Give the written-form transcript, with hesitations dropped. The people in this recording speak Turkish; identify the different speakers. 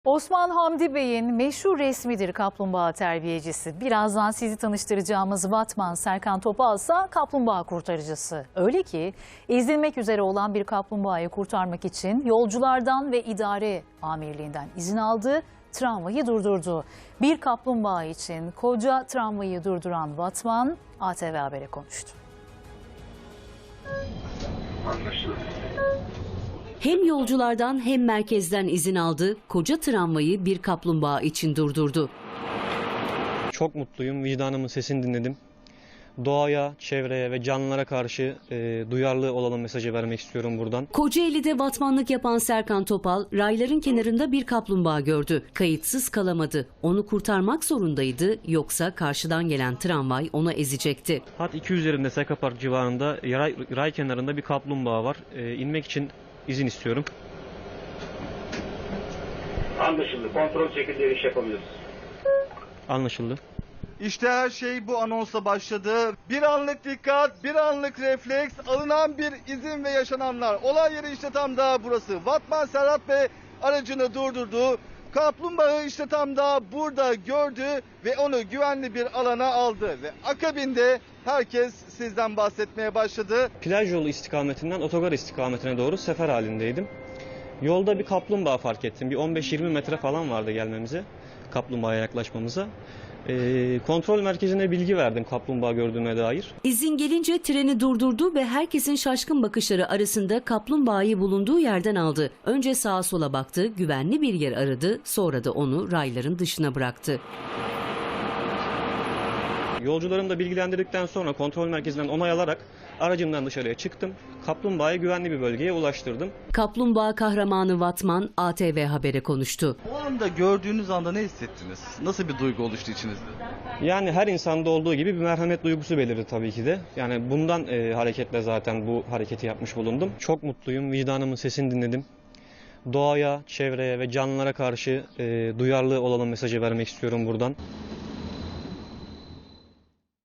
Speaker 1: Osman Hamdi Bey'in meşhur resmidir kaplumbağa terbiyecisi. Birazdan sizi tanıştıracağımız Vatman Serkan Topal ise kaplumbağa kurtarıcısı. Öyle ki ezilmek üzere olan bir kaplumbağayı kurtarmak için yolculardan ve idare amirliğinden izin aldı, tramvayı durdurdu. Bir kaplumbağa için koca tramvayı durduran Vatman ATV Haber'e konuştu.
Speaker 2: Hem yolculardan hem merkezden izin aldı, koca tramvayı bir kaplumbağa için durdurdu.
Speaker 3: Çok mutluyum, vicdanımın sesini dinledim. Doğaya, çevreye ve canlılara karşı duyarlı olalım mesajı vermek istiyorum buradan.
Speaker 2: Kocaeli'de vatmanlık yapan Serkan Topal, rayların kenarında bir kaplumbağa gördü. Kayıtsız kalamadı. Onu kurtarmak zorundaydı, yoksa karşıdan gelen tramvay onu ezecekti.
Speaker 3: Hat 2 üzerinde Seka Park civarında ray kenarında bir kaplumbağa var. İnmek için izin istiyorum.
Speaker 4: Anlaşıldı. Kontrol şekilde iş yapabiliriz.
Speaker 3: Anlaşıldı.
Speaker 5: İşte her şey bu anonsla başladı. Bir anlık dikkat, bir anlık refleks, alınan bir izin ve yaşananlar. Olay yeri işte tam da burası. Vatman Serhat Bey aracını durdurdu. Kaplumbağayı işte tam da burada gördü ve onu güvenli bir alana aldı. Ve akabinde herkes sizden bahsetmeye başladı.
Speaker 3: Plaj yolu istikametinden otogar istikametine doğru sefer halindeydim. Yolda bir kaplumbağa fark ettim. Bir 15-20 metre falan vardı gelmemize, kaplumbağaya yaklaşmamıza. Kontrol merkezine bilgi verdim kaplumbağa gördüğüme dair.
Speaker 2: İzin gelince treni durdurdu ve herkesin şaşkın bakışları arasında kaplumbağayı bulunduğu yerden aldı. Önce sağa sola baktı, güvenli bir yer aradı, sonra da onu rayların dışına bıraktı.
Speaker 3: Yolcularımı da bilgilendirdikten sonra kontrol merkezinden onay alarak aracımdan dışarıya çıktım. Kaplumbağayı güvenli bir bölgeye ulaştırdım.
Speaker 2: Kaplumbağa kahramanı Vatman ATV Haber'e konuştu.
Speaker 5: O anda gördüğünüz anda ne hissettiniz? Nasıl bir duygu oluştu içinizde?
Speaker 3: Yani her insanda olduğu gibi bir merhamet duygusu belirdi tabii ki de. Yani bundan hareketle zaten bu hareketi yapmış bulundum. Çok mutluyum, vicdanımın sesini dinledim. Doğaya, çevreye ve canlılara karşı duyarlı olalım mesajı vermek istiyorum buradan.